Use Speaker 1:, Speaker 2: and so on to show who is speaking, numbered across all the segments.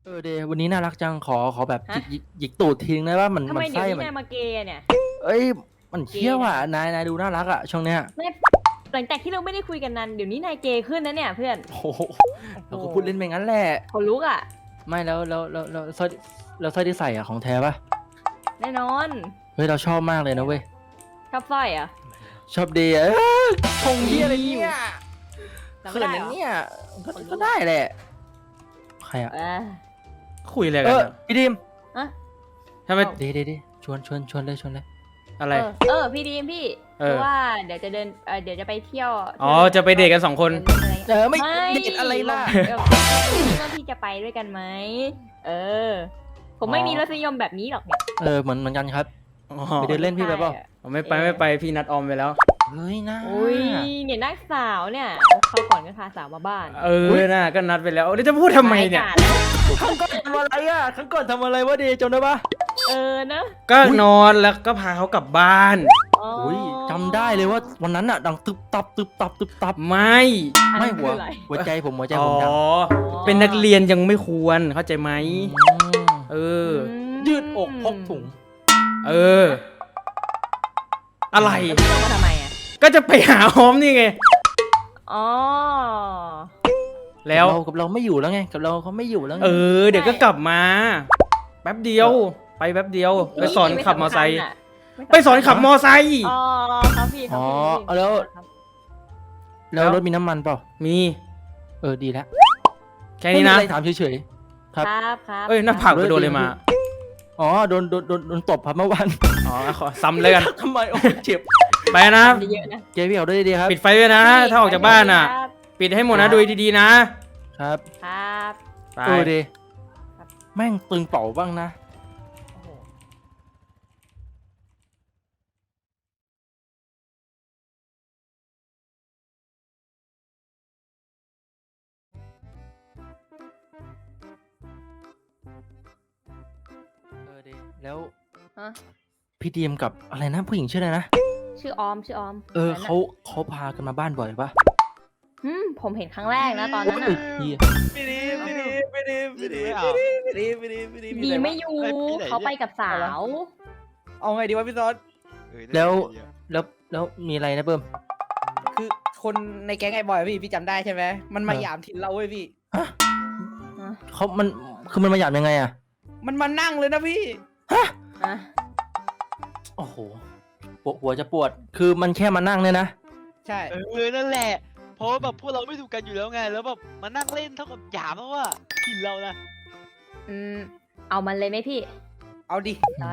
Speaker 1: เดย์วันนี้น่ารักจังขอแบบ
Speaker 2: ฮะ
Speaker 1: หยิกตูดทิ้งได้ว่ามัน
Speaker 2: ทำไมเดี๋ยว
Speaker 1: ไส้
Speaker 2: นี้
Speaker 1: มัน
Speaker 2: นายมาเกย์เนี่ย
Speaker 1: เอ้ยมันเที่ยวอ่ะนายดูน่ารักอ่ะช่วงเนี้ย
Speaker 2: ไม่หลังจากที่เราไม่ได้คุยกันนานเดี๋ยวนี้นายเกย์ขึ้นนะเนี่ยเพื่อน
Speaker 1: โอ้โหเราก็พูดเล่นไปงั้นแหละ
Speaker 2: ขนลุกอ่ะ
Speaker 1: ไม่แล้วสร้อยที่ใส่อ่ะของแท้ปะ
Speaker 2: แน่นอน
Speaker 1: เฮ้ยเราชอบมากเลยนะเว้ย
Speaker 2: ชอบสร้อยเหรอ่ะ
Speaker 1: ชอบเดย์อะชงเหียอะไรเนี่ย
Speaker 2: จำ
Speaker 1: เขิ
Speaker 2: ไม่
Speaker 1: น
Speaker 2: ได้
Speaker 1: นะ
Speaker 2: เหรอ
Speaker 1: เนี่ยก็ได้แหละใครอ่ะ
Speaker 3: คุยอะไรกันอะ
Speaker 1: พี่ดิม
Speaker 2: อะ
Speaker 3: ทำไม
Speaker 1: เดย์ชวนเลย
Speaker 3: อะไร
Speaker 2: พี่ดีมพี่
Speaker 3: เออ
Speaker 2: เพราะว่าเดี๋ยวจะเดินเดี๋ยวจะไปเที่ยว
Speaker 3: อ๋อจะไปเดทกัน2 คน
Speaker 1: ไม่เดทอะไรล่ะ
Speaker 2: ก็พี่จะไปด้วยกันไหมผมไม่มีรสนิยมแบบนี้หรอกเนี่ย
Speaker 1: เหมือนกันครับ
Speaker 3: อ๋อ
Speaker 1: ไปเดินเล่นพี่ไปเปล่า
Speaker 3: ไม่ไปพี่นัดออมไปแล้ว
Speaker 1: เฮ้ยน่า
Speaker 2: อุ้ยเนี่ยนักสาวเนี่ยเขาก่อนก็พาสาวมาบ้าน
Speaker 3: น่ะก็นัดไปแล้วแล้วจะพูดทำไมเนี่ย
Speaker 1: ครั้งก่อนทำอะไรอ่ะครั้งก่อนทำอะไรวะเดย์จำได้ปะ
Speaker 2: เนอะ
Speaker 3: ก็นอนแล้วก็พาเขากลับบ้าน
Speaker 1: อุ้ยจำได้เลยว่าวันนั้นอ่ะดังตึบตับ
Speaker 3: ไม่
Speaker 1: ไม่หัว
Speaker 2: คืออะไร
Speaker 1: หัวใจผม
Speaker 3: อ๋
Speaker 1: ดัง
Speaker 3: อเป็นนักเรียนยังไม่ควรเข้าใจไหม เออ
Speaker 1: ยืดอกพกถุง
Speaker 3: เออ อะไร
Speaker 2: แล้วพี่ลงมาทำไมอ่ะ
Speaker 3: ก็จะไปหาออมนี่ไง
Speaker 2: อ๋อ
Speaker 3: แล้ว
Speaker 1: กับเราไม่อยู่แล้วไงกับเราเขาไม่อยู่แล้วไง
Speaker 3: เดี๋ยวก็กลับมา แป๊บเดียว ไปแป๊บเดียว ไปสอนขับมอไซค์ไปสอนขับมอไซค์
Speaker 2: อ๋อครับพี่ครับพี่
Speaker 1: แล้วรถมีน้ำมันเปล่า
Speaker 3: มี
Speaker 1: ดีแล้ว
Speaker 3: แค่นี้นะ
Speaker 1: ไม่มีอะไรถามเฉยๆครับ
Speaker 2: ครับ
Speaker 3: เอ้ยหน้าผากไปโดนเลยมา
Speaker 1: อ๋อโดนตบครับเมื่อวาน
Speaker 3: อ๋อขอซ้ำเลยกัน
Speaker 1: ทำไมโอ้เจ็บ
Speaker 3: ไปนะ
Speaker 2: ทำเยอะนะ
Speaker 1: เจ๊พี่เอาด้วยดีครับ
Speaker 3: ปิดไฟด้วยนะ ถ้าออกจากบ้านอ่ะ ปิดให้หมดนะดูดีๆนะ
Speaker 1: ครับ
Speaker 2: ครับ
Speaker 3: ไป
Speaker 1: ดีแม่งตึงเป่าบ้างนะ
Speaker 2: โอ้โห
Speaker 1: ดีแล้ว
Speaker 2: ฮะ
Speaker 1: พี่ดีมกับอะไรนะผู้หญิงชื่ออะไรนะ
Speaker 2: ชื่อออมชื่อออม
Speaker 1: เขาพากันมาบ้านบ่อยปะ
Speaker 2: ผมเห็นครั้งแรกนะตอนนั้น
Speaker 1: เฮ้ย
Speaker 2: อ่ะ
Speaker 1: เหี้ย
Speaker 2: ดีไม่อยู่เขาไปกับสาว
Speaker 4: เอาไงดีวะพี่ซอส
Speaker 1: แล้วมีอะไรนะเบิ้ม
Speaker 4: คือคนในแก๊งไอ้บอยพี่จำได้ใช่ไหมมันมา
Speaker 1: เออ
Speaker 4: หยามถิ่นเราเว้ยพี่
Speaker 1: มันมาหยาบยังไงอะ
Speaker 4: มันมานั่งเลยนะพี่
Speaker 2: อ่ะ
Speaker 1: โอ้โหหัวจะปวดคือมันแค่มานั่งเนี่ยนะ
Speaker 4: ใช่
Speaker 5: นั่นแหละ เพราะว่าแบบพวกเราไม่ถูกกันอยู่แล้วไง แล้วแบบมานั่งเล่นเท่ากับหยามแล้วว่าถิ่นเรานะ
Speaker 2: เอามันเลยไหมพี่
Speaker 4: เอาดิ
Speaker 2: ได้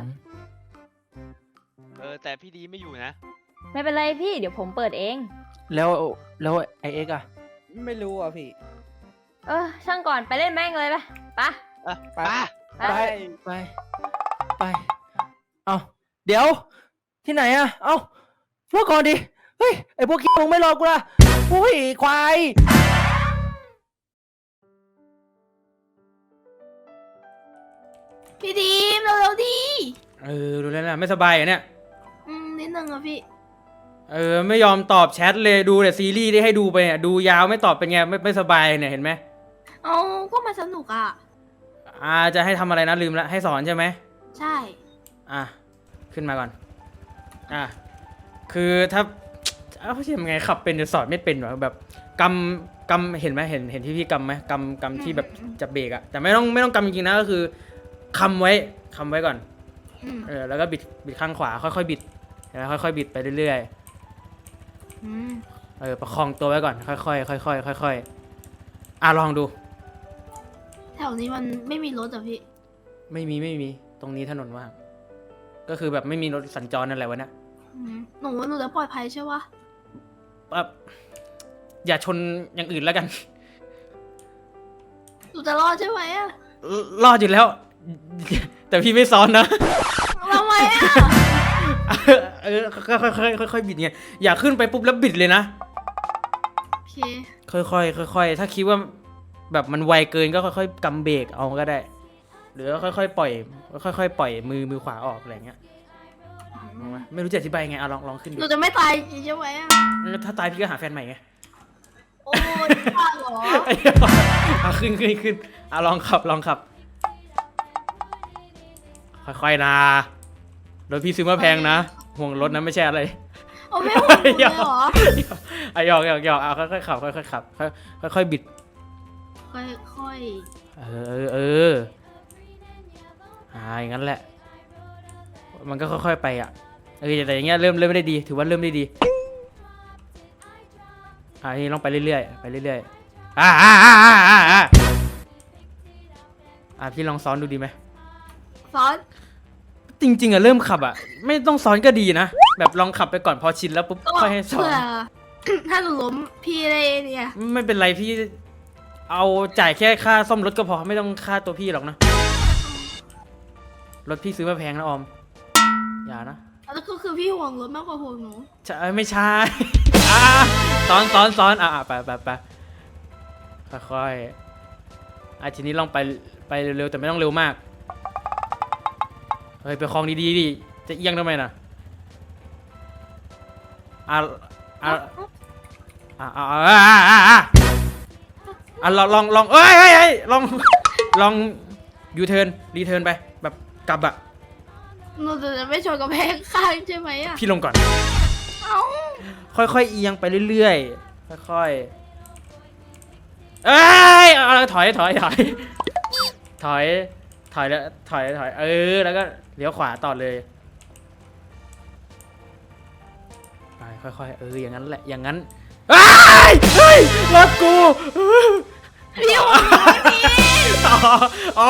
Speaker 5: แต่พี่ดีไม่อยู่นะ
Speaker 2: ไม่เป็นไรพี่เดี๋ยวผมเปิดเอง
Speaker 1: แล้วไอเอ็กอะ
Speaker 4: ไม่รู้อ่ะพี่
Speaker 2: ช่างก่อนไปเล่นแม่งเลยปะ
Speaker 4: ไป
Speaker 2: ไป
Speaker 1: ไปเอาเดี๋ยวที่ไหนอะเอาพวกก่อนดิเฮ้ยไอพวกขี้มึงไม่รอกูละอุ้ยควาย
Speaker 6: พี่ดีมเร็วๆดี
Speaker 3: ดูแล้วนะไม่สบายอ่ะเนี่ย
Speaker 6: นิดนึงอะพี่
Speaker 3: ไม่ยอมตอบแชทเลยดูแต่ซีรีส์ที่ให้ดูไปเนี่ยดูยาวไม่ตอบเป็นไงไม่สบายเนี่ยเห็นไหม
Speaker 6: เอาก็มาสนุกอะ
Speaker 3: จะให้ทำอะไรนะลืมละให้สอนใช่ไหม
Speaker 6: ใช่
Speaker 3: ขึ้นมาก่อนคือถ้าเขาจะยังไงขับเป็นจะสอนไม่เป็นหรอแบบกำเห็นไหมเห็นที่พี่กำไหมกำที่แบบจะเบรกอะแต่ไม่ต้องกำจริงๆนะก็คือคำไว้ก่อน แล้วก็บิดข้างขวาค่อยๆบิดแล้วค่อยๆบิดไปเรื่อยๆประคองตัวไว้ก่อนค่อยๆค่อยๆลองดู
Speaker 6: แถวนี้มันไม่มีรถอะพี่
Speaker 3: ไม่มีตรงนี้ถนนว่างก็คือแบบไม่มีรถสัญจรนั่นแหละวะเนี่ย
Speaker 6: หนูจะปลอดภัยใช่ปะ
Speaker 3: อย่าชนอย่างอื่นแล้วกัน
Speaker 6: หนูจะรอดใช่ไหมอะ
Speaker 3: รอดอยู่แล้ว แต่พี่ไม่ซ้อนนะ
Speaker 6: ทำไมอะ
Speaker 3: ค่อยบิดไงอย่าขึ้นไปปุ๊บแล้วบิดเลยนะ
Speaker 6: โอเค
Speaker 3: ค่อยถ้าคิดว่าแบบมันไวเกินก็ค่อยๆกำเบรกเอาก็ได้ หรือค่อยๆปล่อยมือขวาออกอะไรเงี้ยไม่รู้จะอธิบายไงลองขึ้น
Speaker 6: ห
Speaker 3: ดู
Speaker 6: นูจะไม่ตายใช่ไหมอะ
Speaker 3: ถ้าตายพี่ก็หาแฟนใหม่ไง
Speaker 6: โอ้ยบ้าเหรอ
Speaker 3: ขึ้นลองขับค่อยๆนะรถพี่ซื้อมาแพงนะห่วงรถนะไม่ใช่อะไร
Speaker 6: โอ้ไม่ห่วงหนูเลยเหรอ
Speaker 3: หยอกเอาค่อยๆขับค่อยๆขับค่อยๆบิด
Speaker 6: ค่อย
Speaker 3: เอออย่างนั้นแหละ มันก็ค่อยๆไปอ่ะแต่อย่างเงี้ยเริ่มไม่ได้ดีถือว่าเริ่มได้ดีนี่ลองไปเรื่อยๆไปเรื่อยๆพี่ลองซ้อนดูดีไหม
Speaker 6: ๆซ้อน
Speaker 3: จริงๆอะเริ่มขับอะไม่ต้องซ้อนก็ดีนะแบบลองขับไปก่อนพอชินแล้วปุ๊บ
Speaker 6: ก็
Speaker 3: ค่อยให้ซ้อน
Speaker 6: เผื่อ ถ้าหนูล้มพี่ได้เนี่ย
Speaker 3: ไม่เป็นไรพี่เอาจ่ายแค่ค่าซ่อมรถก็พอไม่ต้องค่าตัวพี่หรอกนะรถพี่ซื้อมาแพงนะออมอย่านะ
Speaker 6: แล้วก็คือพี่ห่วงรถมากกว่าห่วงหนู
Speaker 3: ใช่ไม่ใช่ ซ้อนไปค่อยๆทีนี้ลองไปเร็วๆแต่ไม่ต้องเร็วมากเฮ้ยไปคลองดีๆดิจะเอียงทำไมน่ะลองลองยูเทิร์นรีเทิร์นไปแบบกลับอะ
Speaker 6: หนูจะไม่ชนกับแพงข้างใช่ไหมอ่ะ
Speaker 3: พี่ลงก่อน
Speaker 6: เอ้า
Speaker 3: ค่อยๆเอียงไปเรื่อยๆค่อยๆถอยแล้วถอยแล้วก็เลี้ยวขวาต่อเลยไปค่อยๆอย่างนั้นแหละอย่างนั้นเฮ้ยรถกู
Speaker 6: พี่ห่วงหนูพี่
Speaker 3: อ๋อ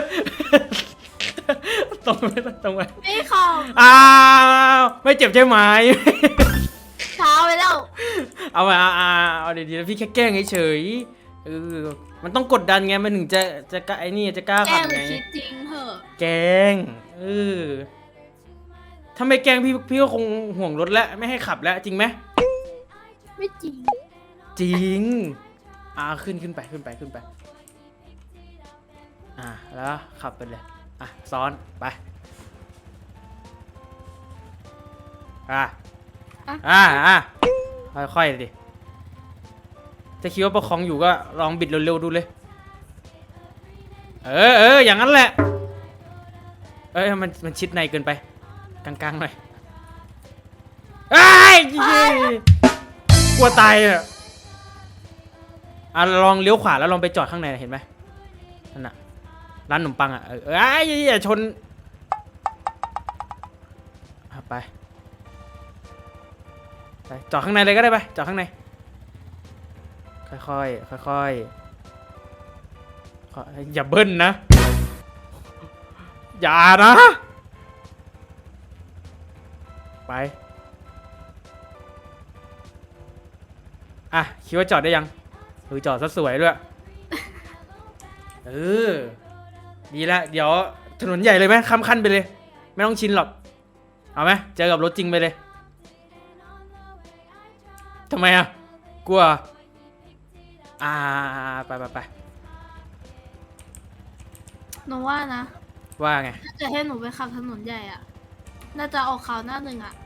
Speaker 3: ตรงไป
Speaker 6: ไม่ขับ
Speaker 3: ไม่เจ็บใช่ไหม
Speaker 6: เช้าไปแล้ว
Speaker 3: เอาดีๆแล้วพี่แค่แกล้งเฉยๆมันต้องกดดันไงมันถึงจะกล้าจะกล้า
Speaker 6: แกล้
Speaker 3: ขับ
Speaker 6: งหรือ
Speaker 3: ไง
Speaker 6: คิดจริงเหอะ
Speaker 3: แกล้งถ้าไม่แกล้งพี่ก็คงห่วงรถแล้วไม่ให้ขับแล้วจริงไหม
Speaker 6: ไม่จริง
Speaker 3: จริงขึ้นไปแล้วขับไปเลยซ้อนไปค่อยๆดิถ้าคิดว่าประคองอยู่ก็ลองบิดเร็วๆดูเลยอย่างนั้นแหละมันชิดในเกินไปกลางๆหน่อยกลัวตายลองเลี้ยวขวาแล้วลองไปจอดข้างในเห็นไหมนั่นน่ะร้านขนมปังอย่าชนไปจอดข้างในเลยก็ได้ไปจอดข้างในค่อยอย่าเบิ้ลนะอย่านะไปคิดว่าจอดได้ยังจอดซะสวยด้วยดีละเดี๋ยวถนนใหญ่เลยไหมข้ามขั้นไปเลยไม่ต้องชินหรอกเอาไหมเจอกับรถจริงไปเลยทำไมกลัวไป
Speaker 6: หนูว่านะ
Speaker 3: ว่าไง
Speaker 6: ถ้าจะให้หนูไปขับถนนใหญ่อ่ะ น่าจะออกข่าวหน้าหนึ่งอ่ะ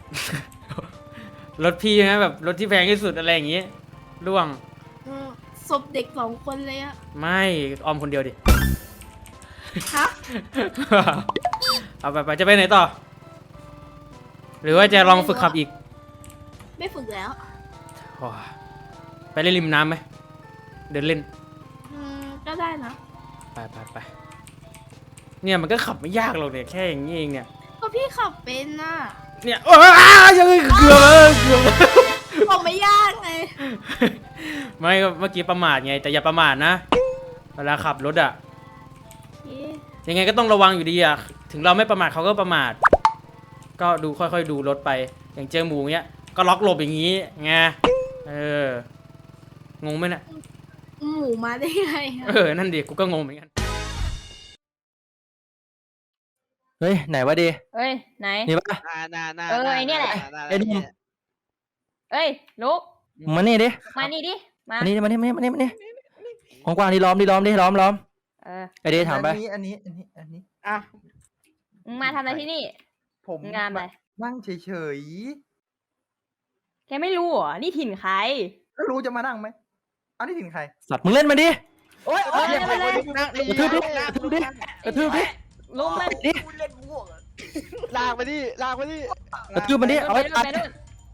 Speaker 3: รถพี่นะแบบรถที่แพงที่สุดอะไรอย่างงี้ร่วง
Speaker 6: ศพเด็ก2 คนเลยอ่ะ
Speaker 3: ไม่ออมคนเดียวดิ
Speaker 6: ฮะ
Speaker 3: เอาไปจะไปไหนต่อ หรือว่าจะลองฝึกขับอีก
Speaker 6: ไม่ฝึกแล้ว
Speaker 3: ไปเล่นริมน้ำไหมเดินเล่น
Speaker 6: ก็ได้นะ
Speaker 3: ไปเนี่ยมันก็ขับไม่ยากหรอกเนี่ยแค่อย่างนี้เองเนี่ย
Speaker 6: ก็พี่ขับเป็นน่ะ
Speaker 3: เนี่ยยังเกือบ
Speaker 6: บอกไม่ยากไง
Speaker 3: ไม่เมื่อกี้ประมาทไงแต่อย่าประมาทนะเวลาขับรถยังไงก็ต้องระวังอยู่ดีถึงเราไม่ประมาทเขาก็ประมาทก็ดูค่อยๆดูรถไปอย่างเจอหมูเงี้ยก็ล็อกหลบอย่างนี้ไงงงไหมเนี่ย
Speaker 6: หมูมาได้ไงอะ
Speaker 3: นั่นดิกูก็งงเหมือนกัน
Speaker 1: เฮ้ยไหนวะดี
Speaker 2: เอ้ยไหน
Speaker 1: นี่ปะ
Speaker 2: ไอ้เนี่ยแหละ
Speaker 1: ไอ้หนุ่ม
Speaker 2: เอ้ยลุก
Speaker 1: มานี่ดิ
Speaker 2: มานี่ดิมา
Speaker 1: มานี่ของกวางที่ล้อมล้อมไอเดถามไป
Speaker 7: อันนี้
Speaker 2: มึงมาทำอะไรที่นี่
Speaker 7: ผม
Speaker 2: งานอะไร
Speaker 7: นั่งเฉย
Speaker 2: แกไม่รู้เหรอนี่ถิ่นใคร
Speaker 7: ๆแล้วรู้จะมานั่งไหมอันนี้ถึงใคร
Speaker 1: สัตว์มึงเล่นมาดิ
Speaker 7: โอ๊ย
Speaker 2: เล่นไปเลย
Speaker 1: กระทืบดิ
Speaker 2: ลุมมัน
Speaker 1: นี่
Speaker 5: ลากไปดิลากไปดิ
Speaker 1: กระทืบมันดิเอา
Speaker 2: ไป
Speaker 1: ไว้
Speaker 2: นู่น
Speaker 1: ตัด
Speaker 2: ไปนู่น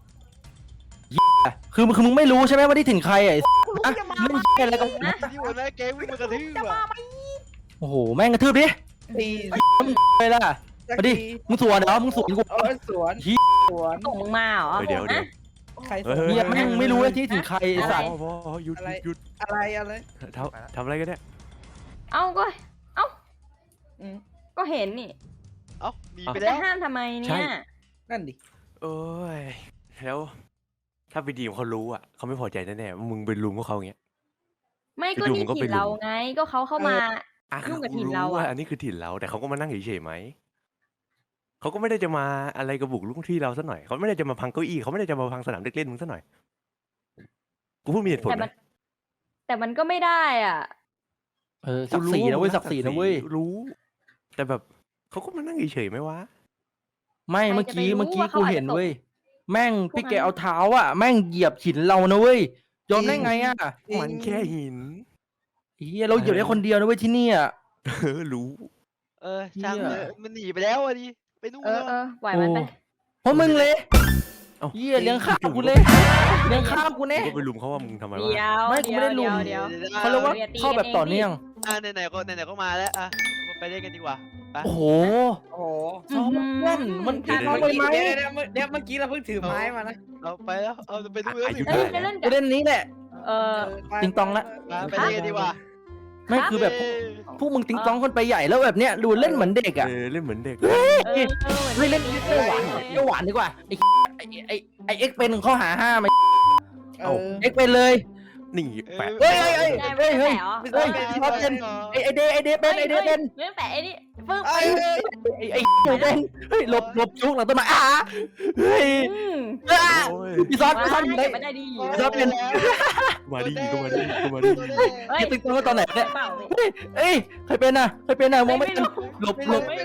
Speaker 1: คือมึงไม่รู้ใช่ไหมว่าที่ถึงใครอ่ะไอ้อะเล่นเหี้ยอะไรกัน
Speaker 2: นะ
Speaker 5: ที่หัวหน้าแก๊งวิ่งมากระทืบอ่ะ
Speaker 1: โอ้โหแม่งกระทืบดิ
Speaker 4: ตี
Speaker 1: ไปล่ะมาดิมึงสวนเหรอมึงสวนกู
Speaker 4: เอาสวน
Speaker 1: เหี้ย
Speaker 4: สวน
Speaker 2: ส่งมึงมาเหรอ
Speaker 8: เดี๋ยว
Speaker 2: นะ
Speaker 4: ใครส
Speaker 8: เฮ้
Speaker 4: วย น
Speaker 1: เหี้ยแม่งไม่รู้ว่าที่ถึงใครไอ้สัตว์
Speaker 8: พอหยุด
Speaker 4: อะไร
Speaker 8: หยุด
Speaker 4: อะไรอะไร
Speaker 8: ทำอะไรกันเนี่ย
Speaker 2: เอ้าก็เอ้า
Speaker 4: อืม
Speaker 2: ก็เห็นนี่
Speaker 5: เอ้าหนีไป
Speaker 2: จะ
Speaker 5: แล้ว
Speaker 2: ห้ามทำไมเนี่ย
Speaker 4: นั่นดิ
Speaker 8: โอ้ยแล้วถ้าไปดีมเขารู้อ่ะเขาไม่พอใจแน่ๆว่ามึงไปลุมพวกเขาอย่างเงี้ย
Speaker 2: ไม่ก็
Speaker 8: อยู่ๆ
Speaker 2: นี่
Speaker 8: มันก็ไป
Speaker 2: ถิ่นเรา
Speaker 8: ลุม
Speaker 2: ไงก็เขาเข้ามา
Speaker 8: อ่ะ
Speaker 2: ยุ่งกับถิ่น
Speaker 8: รู้
Speaker 2: เราอะ
Speaker 8: ว่าอันนี้คือถิ่นเราแต่เขาก็มานั่งเฉยๆไหมเขาก็ไม่ได้จะมาอะไรกับบุกรุกที่เราซะหน่อยเขาไม่ได้จะมาพังเก้าอี้เขาไม่ได้จะมาพังสนามเด็กเล่นมึงซะหน่อยกูพูดมีเหตุผล
Speaker 2: แต่
Speaker 8: ไห
Speaker 2: มั
Speaker 8: ม
Speaker 2: นแต่มันก็ไม่ได้อ่ะ
Speaker 1: ศักดิ์ศรีนะเว้ยศักดิ์ศรีนะเว้ย
Speaker 8: รู้ แต่แบบเขาก็มานั่งเฉยๆไหมวะ
Speaker 1: ไม่
Speaker 2: ใคร
Speaker 1: เมื่อ
Speaker 2: จะ
Speaker 1: กี้
Speaker 2: ไปรู้
Speaker 1: เมื่อกี้
Speaker 2: ว่าเขา
Speaker 1: กู
Speaker 2: อาจจะ
Speaker 1: เห็น
Speaker 2: ตก
Speaker 1: เว้ยแม่ง
Speaker 2: พวก
Speaker 1: พี่แก
Speaker 2: นั้น
Speaker 1: เอาเท้าอ่ะแม่งเหยียบหินเรานะเว้ยยอมได้ไงอ่ะ
Speaker 8: มันแค่หิน
Speaker 1: เฮียเราเหยียบได้คนเดียวนะเว้ยที่นี่อ่ะ
Speaker 8: รู้
Speaker 5: ช่าง
Speaker 1: เหี้ย
Speaker 5: เลยมันหนีไปแล้วอ่ะดิไปนู่น
Speaker 2: เอ
Speaker 5: แล้
Speaker 2: อ
Speaker 5: ว
Speaker 2: เออปล่อยมันไป
Speaker 1: เพราะมึงเลย
Speaker 8: เอ้า
Speaker 1: เฮียเลี้ยงข้าวกูเลยเลี้ยงข้าวกู
Speaker 8: กู
Speaker 1: แน่
Speaker 8: ก็ไปลุมเขาว่ามึงทำไม
Speaker 2: เดี๋ยว ว
Speaker 1: ไม่กูไม่ได้ลุม
Speaker 2: เดี๋ยว
Speaker 1: เขาเรียกว่า
Speaker 2: อย่าตี
Speaker 1: เข้าแบบ
Speaker 2: กันเอง
Speaker 1: ต่อเนื่อง
Speaker 5: ไหนๆก็มาแล้วอ่ะไปเล่นกันดีกว่าไป
Speaker 1: โอ้โห
Speaker 4: โอ้โห
Speaker 1: ซ้อมเพื่อนมัน
Speaker 2: ครั
Speaker 1: ผิ
Speaker 2: บ
Speaker 1: ดเราไปไหม
Speaker 4: เดี๋ยวเมื่อกี้เราเพิ่งถือไม้มานะ
Speaker 5: เอาไปแล้วเอาไปนู่นแล้ว
Speaker 8: อา
Speaker 5: สิ
Speaker 8: ยุ
Speaker 2: เอ้
Speaker 8: ได้
Speaker 2: ยไปเล่น
Speaker 1: ป
Speaker 2: กับ
Speaker 1: ระเด็นนี้แหละ
Speaker 2: เออ
Speaker 1: ติงตองละ
Speaker 5: ไปเล่นกันดีกว่า
Speaker 1: ไม่คือแบบ
Speaker 5: เอ้ย
Speaker 1: พวกมึงติ๊งต้องคนไปใหญ่แล้วแบบเนี้ยดูเล่นเหมือนเด็กอ่ะ
Speaker 8: เล่นเหมือนเด็ก
Speaker 2: เออ
Speaker 1: เฮ้ยเล่นเล่นหวานเล่นหวานดีกว่าไอเอ็กเป็นข้อหาห้าไหม
Speaker 4: เออ
Speaker 1: เอ็กเป็นเลย
Speaker 8: นี่แปะ
Speaker 1: เฮ้ยเฮ้ย
Speaker 2: ได้ไม่ได้แผลเหรอ
Speaker 1: เฮ้ยพี่ท็อปเป็นไอเดเป็นไอเดเป็น
Speaker 2: เรื่องแปะไอ้นี่ปึ้ง
Speaker 4: เอ้ย
Speaker 1: ไอหนูเป็นเฮ้ยหลบชุกหลังต้นไม้เฮ้ย
Speaker 2: อืม
Speaker 8: โอ้ย
Speaker 1: พี่ซอส
Speaker 2: ว้า
Speaker 1: พี่ซอส
Speaker 2: ย
Speaker 1: ได้
Speaker 2: เก็บไม่ได้ดี
Speaker 1: ชอบเป็น
Speaker 8: มาดิก็มาดิก็มาดิ
Speaker 2: เฮ้ย
Speaker 1: ติ๊งต้องตอนไหนเนี่ย
Speaker 2: เปล่า
Speaker 1: เอ้ยใครเป็นอ่ะใครเป็นอ่ะมองไม่
Speaker 2: ไม่
Speaker 1: ทัน
Speaker 2: รู้
Speaker 1: หลบ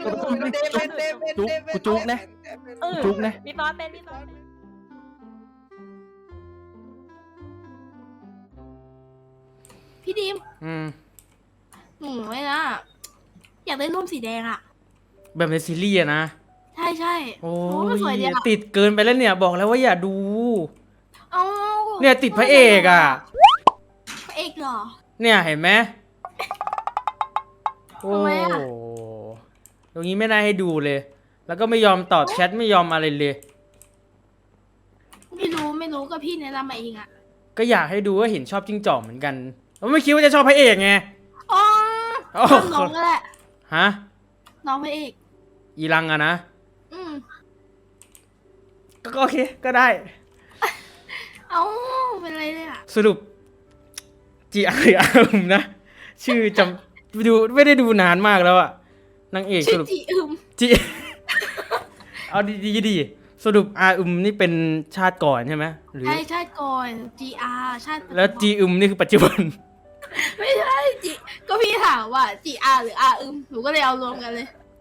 Speaker 1: กูจุกนะ
Speaker 2: เออ
Speaker 1: จุกนะ
Speaker 2: พี่ตอนเป็นพี่ตอนเป็น
Speaker 6: พี่ดิม
Speaker 3: อืม
Speaker 6: หนูไว้นะอยากได้ร่มสีแดงอ่ะ
Speaker 3: แบบในซีรีส์อะนะ
Speaker 6: ใช่ใช่
Speaker 3: โอ้
Speaker 6: มันสวยดี
Speaker 3: ย
Speaker 6: อ่ะ
Speaker 3: ติดเกินไปแล้วเนี่ยบอกแล้วว่าอย่าดู
Speaker 6: เอา
Speaker 3: เนี่ยติดพระเอกอ่ะ
Speaker 6: พระเอกเหรอ
Speaker 3: เนี่ยเห็นไหมโอ้
Speaker 6: ทำไมอะ
Speaker 3: ตรงนี้ไม่น่าให้ดูเลย แล้วก็ไม่ยอมตอบแชทไม่ยอมอะไรเลย
Speaker 6: ไม่รู้ก็พี่แนะนำมาเองอ่ะ
Speaker 3: ก็อยากให้ดูว่าเห็นชอบจิ้งจอกเหมือนกันไม่คิดว่าจะชอบพระเอกไง
Speaker 6: อ๋อ
Speaker 3: โอ้
Speaker 6: น้องก็แหละ
Speaker 3: ฮะ
Speaker 6: น้องพระเอก
Speaker 3: อีรังอะนะ
Speaker 6: อืม
Speaker 3: ก็โอเคก็ได้
Speaker 6: เอาเป็นไรเลยอ่ะ
Speaker 3: สรุปจีอาร์อาร์มนะ ชื่อจำดูไม่ได้ดูนานมากแล้วอะนางเอกส
Speaker 6: ชื่อ
Speaker 3: รุป
Speaker 6: จีอึม
Speaker 3: จี เอาดีสรุปอาอึมนี่เป็นชาติก่อนใช่ไหมหรือ
Speaker 6: ใช่ชาติก่อน GR ชาติ
Speaker 3: แล้วจีอึมนี่คือปัจจุบัน
Speaker 6: ไม่ใช่จีก็พี่ถามว่า GR หรือ R อึมหนูก็เลยเอารวมกันเลย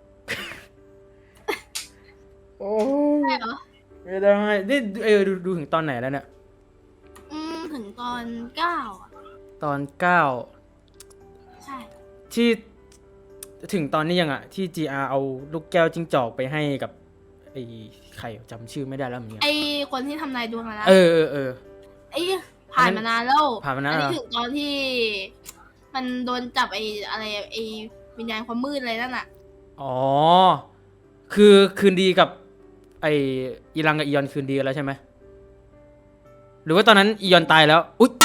Speaker 3: โอ้
Speaker 6: ใช่เหรอ
Speaker 3: ไม่ได้นี่ดูถึงตอนไหนแล้วเนี่ย
Speaker 6: ถึงตอน9อ่ะ
Speaker 3: ตอน 9
Speaker 6: ใช่
Speaker 3: ที่ถึงตอนนี้ยังอะที่ GR เอาลูกแก้วจิ้งจอกไปให้กับไอ้ใครจำชื่อไม่ได้แล้วเหมือนกัน
Speaker 6: ไอคนที่ทำนายดวงอะนะ
Speaker 3: เออ
Speaker 6: ไอผ่านมานานแล้ว
Speaker 3: ผ่านมานาน
Speaker 6: อั
Speaker 3: แล้ว
Speaker 6: นี้ถึงตอนที่ มันโดนจับไออะไรไอวิญญาณความมืดอะไรนั่นอ่ะ
Speaker 3: อ๋อ คือคืนดีกับไออีรังกับอียอนคืนดีกันแล้วใช่ไหมหรือว่าตอนนั้นอียอนตายแล้วอุ๊ย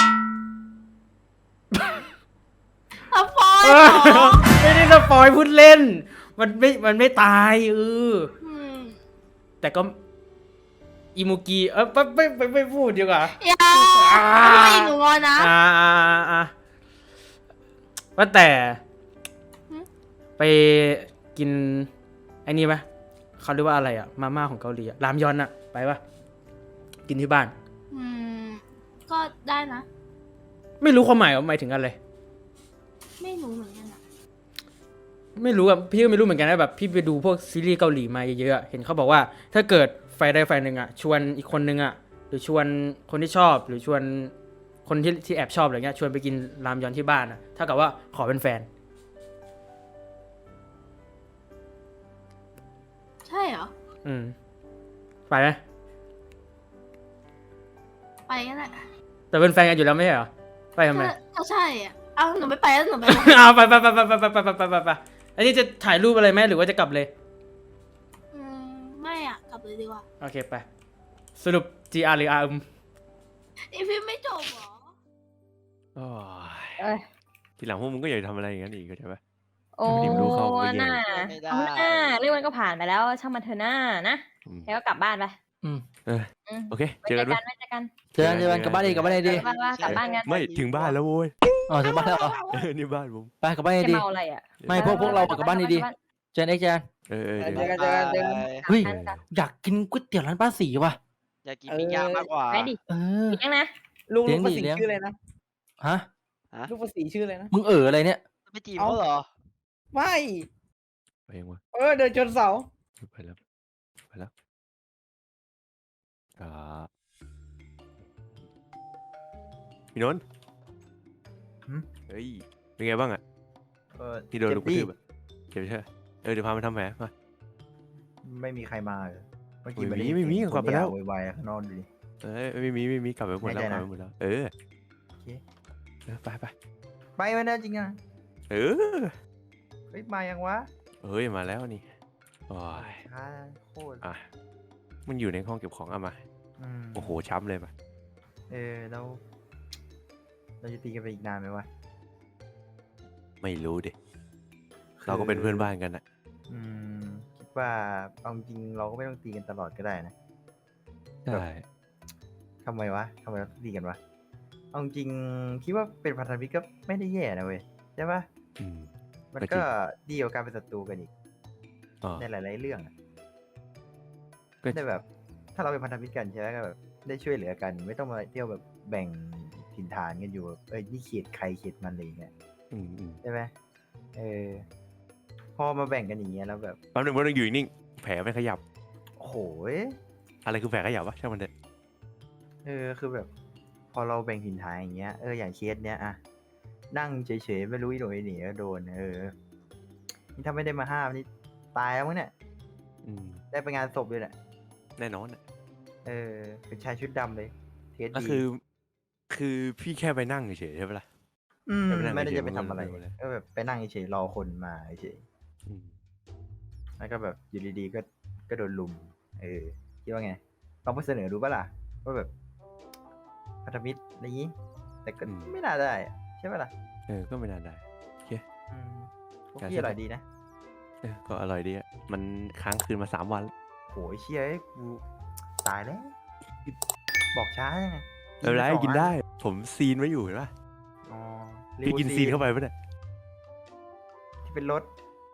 Speaker 6: สปอยเหรอ
Speaker 3: ไม่ได้สปอยพูดเล่น มันไม่ตาย
Speaker 6: ม
Speaker 3: แต่ก็อิมูกีไม่พูดดีกว่า
Speaker 6: อย่าไม่หนูงอนนะ
Speaker 3: ว่าแต่
Speaker 6: หึ
Speaker 3: ไปกินไอ้นี่ไหมเขาเรียกว่าอะไรอะมาม่าของเกาหลีอะรามยอนอะไปปะกินที่บ้าน
Speaker 6: ก็ได้นะ
Speaker 3: ไม่รู้ความหมายว่าหมายถึงอะไร
Speaker 6: ไม่รู้เหมือนกันอะ
Speaker 3: ไม่รู้อะพี่ก็ไม่รู้เหมือนกันนะแบบพี่ไปดูพวกซีรีส์เกาหลีมาเยอะๆอะเห็นเขาบอกว่าถ้าเกิดฝ่ายใดฝ่ายหนึ่งอะชวนอีกคนนึงอะหรือชวนคนที่ชอบหรือชวนคนที่แอบชอบอะไรเงี้ยชวนไปกินรามยอนที่บ้านอะถ้ากับว่าขอเป็นแฟน
Speaker 6: เหรอ
Speaker 3: ไปไหม
Speaker 6: ไปก็ได้
Speaker 3: แต่เป็นแฟนกันอยู่แล้วไม่ใช่เหรอไปทำไม
Speaker 6: ก็ใช่อ่ะเอาหนูไม่ไปแล้วหนูไป
Speaker 3: เอาไปอันนี้จะถ่ายรูปอะไรไหมหรือว่าจะกลับเลย
Speaker 6: ไม่อ่ะกลับเลยดีกว่า
Speaker 3: โอเคไปสรุป GR หรือ RM
Speaker 6: นี่พี่ไม่จบเหรอ
Speaker 8: โอ้ย
Speaker 2: เอ้ย
Speaker 8: ทีหลังพวกมึงก็อย่าทำอะไรอย่างนั้นอีกเข้าใจปะ
Speaker 2: โอ้
Speaker 8: ไม่ได้รู้เข้าไม่แย่
Speaker 2: น่า
Speaker 5: ไม่ได้
Speaker 2: เอาหน้าเรื่องมันก็ผ่านไปแล้วช่างมันเถอะหน้านะ
Speaker 8: อืม
Speaker 2: แล้วก็กลับบ้านไป
Speaker 1: อืม
Speaker 8: เออ
Speaker 2: อืม
Speaker 8: โอเค
Speaker 2: ไว้
Speaker 8: เจอกันไหม
Speaker 2: ไว้เจอกัน
Speaker 1: เจอกันกลับบ้านดีกลับบ้านดี
Speaker 2: กลับบ้านว่ากลับบ้านกัน
Speaker 8: ไม่ถึงบ้านแล้วโว้ย
Speaker 1: อ๋อถึงบ้านแล้วเหรอ
Speaker 8: นี่บ้านผม
Speaker 1: ไปกลับบ้าน
Speaker 2: จะ
Speaker 1: ดี
Speaker 2: เมาอะไรอ่ะ
Speaker 1: ไม่พวกเรากลับบ้านดีๆเจนเอ็กเจน
Speaker 8: เออ
Speaker 4: เจอกันเจอกันเจอกัน
Speaker 1: เฮ้ย
Speaker 2: กลับบ้านกัน
Speaker 1: อยากกินก๋วยเตี๋ยวร้านป้าสีว่ะ
Speaker 5: อยากกินปิ้งย่างมากกว่า
Speaker 2: ไปดิ
Speaker 1: เออ
Speaker 2: เลี้ยงนะ
Speaker 4: ลุง
Speaker 1: เลี้ยง
Speaker 4: ประ
Speaker 1: ดิ
Speaker 4: สิท
Speaker 1: เลี้ยง
Speaker 4: ธิ์ชื่ออะไรนะ
Speaker 1: ฮะ
Speaker 4: ลูกประสิทธิ์ชื่ออะไรนะ
Speaker 1: มึงอะไรเนี่ย
Speaker 5: ไม่จีบเขาเหรอ
Speaker 4: ไม่
Speaker 8: ไปเองวะ
Speaker 4: เดินชนเสา
Speaker 8: ไปแล้วอ่าพี่นนท์เฮ้ยเป็นไงบ้างอ่ะที่โดนลูกกระทืบอะเจ็บใช่ไหมเดี๋ยวพามาทำแผลมา
Speaker 7: ไม่มีใครมาเลยเมื่อกี้
Speaker 8: ไม่
Speaker 7: ด้
Speaker 8: มีไม่มี
Speaker 7: เสียง
Speaker 8: กลับไปแล้ว
Speaker 7: คนเดียโวยวายข้างนอกดูดิ
Speaker 8: ไม่มีกลับไปหมดแล้ว
Speaker 7: แน่ใจ
Speaker 8: กลั
Speaker 7: นะ
Speaker 8: บไปหมดแล้ว เออ
Speaker 7: โอเค
Speaker 8: ไป
Speaker 7: ไปมาแล้วจริงอ่ะ
Speaker 8: เออ
Speaker 7: เฮ้ยมายังวะ
Speaker 8: เฮ้ยมาแล้วนี่โอ้ย
Speaker 7: ช้าโคตร
Speaker 8: อ่ะมันอยู่ในห้องเก็บของเอามา
Speaker 7: ม
Speaker 8: โอ้โหช้ำเลยมา
Speaker 7: แล้วเราจะตีกันไปอีกนานไหมวะ
Speaker 8: ไม่รู้ดิเราก็เป็นเพื่อนบ้านกันนะ
Speaker 7: อืมคิดว่าเอาจริงเราก็ไม่ต้องตีกันตลอดก็ได้นะ
Speaker 8: ใช่
Speaker 7: ทำไมวะทำไมเราต้องตีกันวะเอาจริงคิดว่าเป็นพันธมิตรก็ไม่ได้แย่นะเว้ยใช่ปะ
Speaker 8: อืม
Speaker 7: มัน
Speaker 8: ก็จริ
Speaker 7: ก็
Speaker 8: ง
Speaker 7: ดีกว่าการเป็นศัตรูกันอีก
Speaker 8: อ๋อ
Speaker 7: ในหลายๆเรื่องอะ
Speaker 8: ก็
Speaker 7: ได้แบบ ถ้าเราเป็นพันธมิตรกันใช่ไหมก็แบบได้ช่วยเหลือกัน ไม่ต้องมาเที่ยวแบบแบ่งถิ่นฐานกันอยู่แบบนี่เขตใครเขตมันอะไรอย่างเงี้ย
Speaker 8: อืม
Speaker 7: ใช่ไหมพอมาแบ่งกันอย่างเงี้ยแล้วแบบ
Speaker 8: แป๊บนึงมันต้องอยู่นิ่งแผลไม่ขยับ
Speaker 7: โอ้โห
Speaker 8: อะไรคือแผลขยับวะช่างมันเถอะ
Speaker 7: คือแบบ พอเราแบ่งถิ่นฐานอย่างเงี้ยอย่างเคสเนี้ยอะนั่งเฉยๆไม่รู้อีโหนอีเหน่ก็โดนนี่ถ้าไม่ได้มาห้ามนี่ตายแล้วมั้งเนี่ย
Speaker 8: อืม
Speaker 7: ได้ไปงานศพเลยแหละ
Speaker 8: แน่นอนอะ
Speaker 7: เป็นชายชุดดำเลยเคส
Speaker 8: ก็
Speaker 7: ดี
Speaker 8: คือพี่แค่ไปนั่งเฉยๆใช่ปะล่ะ
Speaker 7: ม
Speaker 8: ไม่ได้
Speaker 7: ไม่ได้
Speaker 8: เฉยๆ
Speaker 7: จะไปทำอะไร
Speaker 8: มันก็เลย
Speaker 7: ก็แบบไปนั่งเฉยๆรอคนมาเฉย
Speaker 8: อืม
Speaker 7: แล้วก็แบบอยู่ดีๆก็โดนลุมคิดว่าไงลองไปเสนอดูปะล่ะว่าแบบพันธมิตรอะไรอย่างงี้ แต่ก็ไม่น่าได้อะใช่ปะล่ะ
Speaker 8: ก็ไม่นานได้
Speaker 7: พวกพี่อร่อยดีนะ
Speaker 8: ก็อร่อยดีอะมันค้างคืนมา3 วัน
Speaker 7: โหยเชี่ยกูตายแล้ว บอกช้าไง
Speaker 8: ไม่เป็นไร
Speaker 7: ปสอง
Speaker 8: กิน
Speaker 7: อั
Speaker 8: ได้ ผมซีนไว้อยู่เห็นปะ
Speaker 7: อ๋อ
Speaker 8: พี่กินซีนเข้าไปปะเนี่ย
Speaker 7: ที่เป็นรถ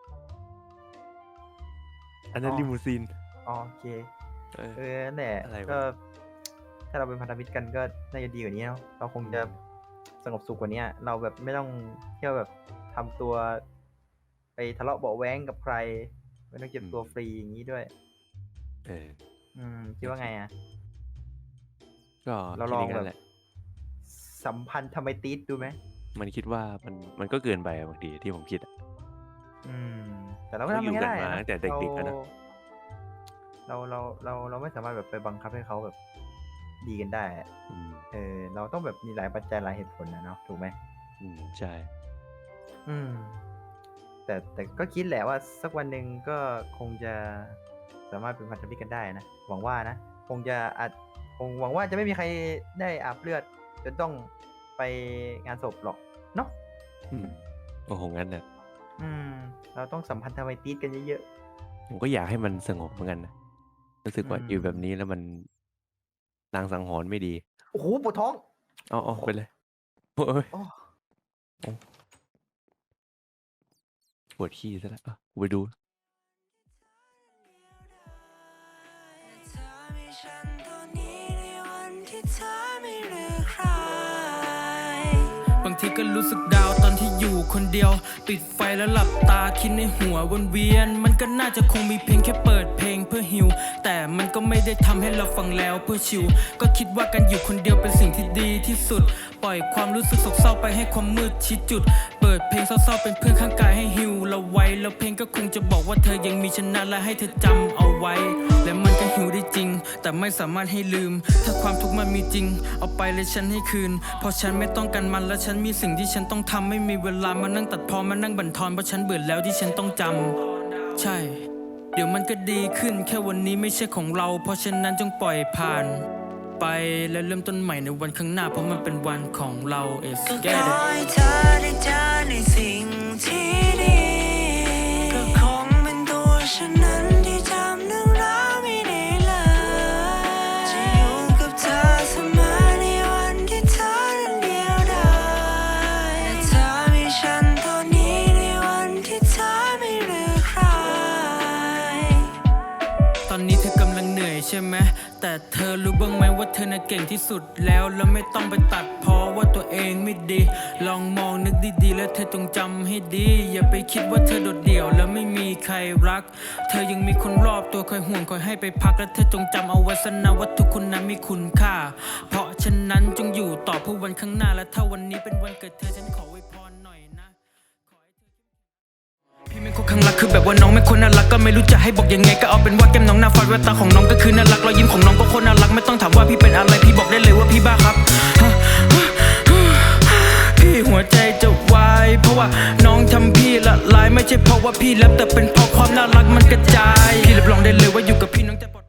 Speaker 8: อันนั้น
Speaker 7: อ๋อ
Speaker 8: ลิมูซีน
Speaker 7: อ๋อโอเค
Speaker 8: เออ
Speaker 7: นั่นแหละ
Speaker 8: อะไรวะ
Speaker 7: ก็ ถ้าเราเป็นพันธมิตรกันก็น่าจะดีกว่านี้เนาะเราคงจะสงบสุขกว่านี้เราแบบไม่ต้องเที่ยวแบบทำตัวไปทะเลาะเบาะแว้งกับใคร ไม่ต้องเจ็บตัวฟรีอย่างนี้ด้วย
Speaker 8: เออ
Speaker 7: คิดว่าไงอ่ะ
Speaker 8: ก็
Speaker 7: เรา
Speaker 8: คิด
Speaker 7: ลอง
Speaker 8: ย่าง
Speaker 7: แบ
Speaker 8: นั้น
Speaker 7: บ
Speaker 8: แหละ
Speaker 7: สัมพันธ์ทำไมตีดดูไหม
Speaker 8: มันคิดว่ามันก็เกินไปอะบางทีที่ผมคิดอะ
Speaker 7: แต่เราก็ทำ
Speaker 8: อยู่
Speaker 7: ไม่
Speaker 8: กัน
Speaker 7: ได้
Speaker 8: มา
Speaker 7: นะ
Speaker 8: ตั้งแต่เด็กๆอะนะ
Speaker 7: เราไม่สามารถแบบไปบังคับให้เขาแบบดีกันได้อะ
Speaker 8: อืม
Speaker 7: เราต้องแบบมีหลายปัจจัยหลายเหตุผลนะเนาะถูกไหม
Speaker 8: ใช่
Speaker 7: แต่ก็คิดแหละว่าสักวันหนึ่งก็คงจะสามารถเป็นพันธมิตรกันได้นะหวังว่านะคงหวังว่าจะไม่มีใครได้อาบเลือดจนต้องไปงานศพหรอกเนาะ
Speaker 8: โอ้โหงั้นน่ะ
Speaker 7: เราต้องสัมพันธ์ทำไมตีดกันเยอะ
Speaker 8: ผมก็อยากให้มันสงบเหมือนกันนะรู้สึกว่า
Speaker 7: อืม
Speaker 8: อยู่แบบนี้แล้วมันลางสังหรณ์ไม่ดี
Speaker 7: ๆโอ้โหปวดท้อง
Speaker 8: เอาไปเลยโอ้ย
Speaker 7: โอ้
Speaker 8: ปวดขี้ซะแล้วกูไปดู
Speaker 9: บางทีก็รู้สึกดาวตอนที่อยู่คนเดียวปิดไฟแล้วหลับตาคิดในหัววนเวียนมันก็น่าจะคงมีเพียงแค่เปิดเพลงเพื่อฮิวแต่มันก็ไม่ได้ทำให้เราฟังแล้วเพื่อชิวก็คิดว่าการอยู่คนเดียวเป็นสิ่งที่ดีที่สุดปล่อยความรู้สึกโศกเศร้าไปให้ความมืดชี้จุดเปิดเพลงเศร้าๆเป็นเพื่อนข้างกายให้ฮิวเราไว้แล้วเพลงก็คงจะบอกว่าเธอยังมีฉันนะและให้เธอจำเอาไว้ และมันก็หิวได้จริง แต่ไม่สามารถให้ลืม ถ้าความทุกข์มันมีจริงเอาไปเลยฉันให้คืนเพราะฉันไม่ต้องการมันและฉันมีสิ่งที่ฉันต้องทำไม่มีเวลามานั่งตัดพ้อมานั่งบั่นทอนเพราะฉันเบื่อแล้วที่ฉันต้องจำใช่ เดี๋ยวมันก็ดีขึ้นแค่วันนี้ไม่ใช่ของเราเพราะฉะนั้นจงปล่อยผ่านไปและเริ่มต้นใหม่ในวันข้างหน้าเพราะมันเป็นวันของเรา It's
Speaker 10: ก็
Speaker 9: get
Speaker 10: ขอ
Speaker 9: it
Speaker 10: ให้เธอได้เจอในสิ่งที่ดีก็คงเป็นตัวฉันนั้นที่จำเรื่องราวไม่ได้เลยจะอยู่กับเธอเสมอในวันที่เธอนั้นเดียวดายและเธอมีฉันตอนนี้ในวันที่เธอไม่เหลือใคร
Speaker 9: ตอนนี้เธอกำลังเหนื่อยใช่ไหมแต่เธอรู้บ้างไหมว่าเธอน่ะเก่งที่สุดแล้วไม่ต้องไปตัดเพราะว่าตัวเองไม่ดี ลองมองนึกดีๆแล้วเธอจงจำให้ดีอย่าไปคิดว่าเธอโดดเดี่ยวแล้วไม่มีใครรักเธอยังมีคนรอบตัวคอยห่วงคอยให้ไปพักและเธอจงจำเอาไว้ซะนะว่าทุกคนนั้นมีคุณค่าเพราะฉะนั้นจงอยู่ต่อเพื่อวันข้างหน้าและถ้าวันนี้เป็นวันเกิดเธอฉันขออวยพรหน่อยนะพี่ไม่คนข้างรักคือแบบว่าน้องไม่คนน่ารักก็ไม่รู้จะให้บอกยังไงก็เอาเป็นว่าแก้มน้องหน้าฟาดแววตาของน้องก็คือน่ารักรอยยิ้มของน้องก็คนน่ารักไม่ต้องถามว่าพี่เป็นอะไรพี่บอกได้เลยว่าพี่บ้าครับพี่หัวใจจะวายเพราะว่าน้องทำพี่ละลายไม่ใช่เพราะว่าพี่แรปแต่เป็นเพราะความน่ารักมันกระจายพี่รับรองได้เลยว่าอยู่กับพี่น้องจะ